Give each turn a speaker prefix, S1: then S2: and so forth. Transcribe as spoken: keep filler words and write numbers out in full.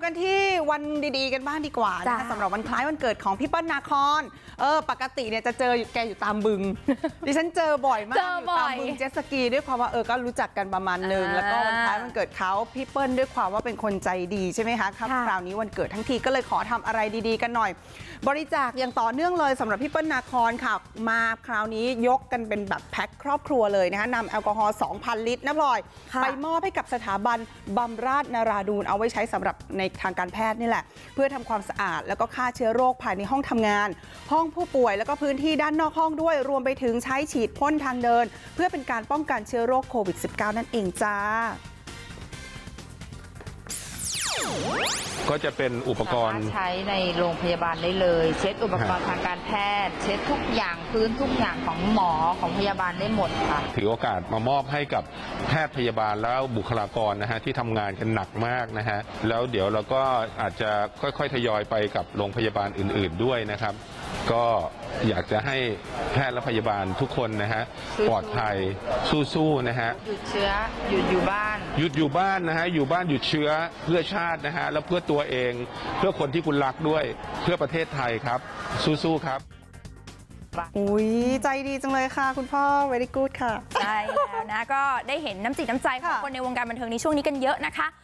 S1: กันที่วันดีๆกันบ้างดีกว่านะคะสำหรับวันคล้ายวันเกิดของพี่เปิ้ลนาคอนเออปกติเนี่ยจะเจอแกอยู่ตามบึง ดิฉันเจอบ่อยมากอยู่ตามบึงเจ็ตสกีด้วยความว่าเออก็รู้จักกันประมาณนึงแล้วก็วันคล้ายวันเกิดเขาพี่เปิ้ลด้วยความว่าเป็นคนใจดีใช่ไหมคะครับคราวนี้วันเกิดทั้งทีก็เลยขอทำอะไรดีๆกันหน่อยบริจาคอย่างต่อเนื่องเลยสำหรับพี่เปิ้ลนาคอนค่ะมาคราวนี้ยกกันเป็นแบบแพ็คครอบครัวเลยนะคะนำแอลกอฮอล์ สองพัน ลิตรนะพลอยไปมอบให้กับสถาบันบำราศนราดูนเอาไว้ใช้สำหรับในทางการแพทย์นี่แหละเพื่อทำความสะอาดแล้วก็ฆ่าเชื้อโรคภายในห้องทำงานห้องผู้ป่วยแล้วก็พื้นที่ด้านนอกห้องด้วยรวมไปถึงใช้ฉีดพ่นทางเดินเพื่อเป็นการป้องกันเชื้อโรคโควิด สิบเก้า นั่นเองจ้า
S2: ก็จะเป็นอุปกรณ์
S3: ใช้ในโรงพยาบาลได้เลยเช็ดอุปกรณ์ทางการแพทย์เช็ดทุกอย่างพื้นทุกอย่างของหมอของพยาบาลได้หมดค่ะ
S2: ถือโอกาสมามอบให้กับแพทย์พยาบาลแล้วบุคลากรนะฮะที่ทำงานกันหนักมากนะฮะแล้วเดี๋ยวเราก็อาจจะค่อยๆทยอยไปกับโรงพยาบาลอื่นๆด้วยนะครับก็อยากจะให้แพทย์และพยาบาลทุกคนนะฮะปลอดภัยสู้ๆนะฮะ
S3: หยุดเชื้อหยุดอยู่บ้าน
S2: หยุดอยู่บ้านนะฮะอยู่บ้านหยุดเชื้อเพื่อชาตินะฮะแล้วเพื่อตัวเองเพื่อคนที่คุณรักด้วยเพื่อประเทศไทยครับสู้ๆครับ
S1: อุ้ยใจดีจังเลยค่ะคุณพ่อ very good ค่ะ
S4: ใช่แล้วนะก็ได้เห็นน้ำจิตน้ำใจของคนในวงการบันเทิงในช่วงนี้กันเยอะนะคะ